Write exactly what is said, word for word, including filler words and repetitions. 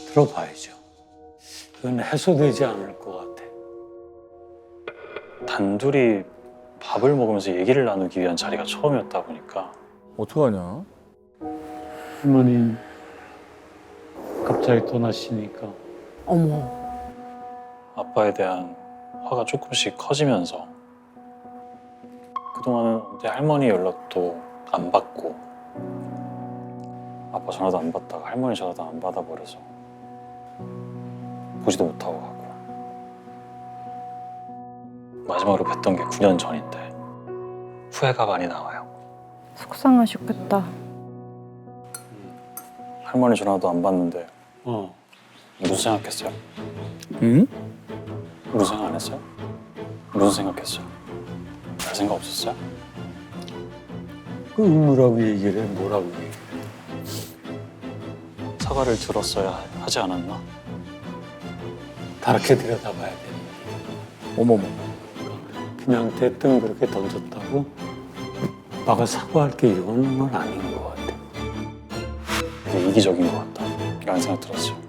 들어봐야죠. 그건 해소되지 않을 것 같아. 단둘이 밥을 먹으면서 얘기를 나누기 위한 자리가 처음이었다 보니까 어떡하냐? 할머니 갑자기 떠나시니까 어머. 아빠에 대한 화가 조금씩 커지면서 그동안은 내 할머니 연락도 안 받고 아빠 전화도 안 받다가 할머니 전화도 안 받아버려서 보지도 못하고 가고 마지막으로 뵀던 게 구 년 전인데 후회가 많이 나와요. 속상하셨겠다. 할머니 전화도 안 받는데 어 무슨 생각했어요? 응? 무슨 생각 안 했어요? 무슨 생각했어요? 별 생각 없었어요? 그 의무라고 얘기를 해. 뭐라고 얘기해. 사과를 들었어야 하지 않았나? 다르게 들여다봐야 돼. 어머머. 그냥 대뜸 그렇게 던졌다고 아빠가 사과할 게 이거는 건 아닌 것 같아. 되게 이기적인 것 같다 라는 생각 들었어요.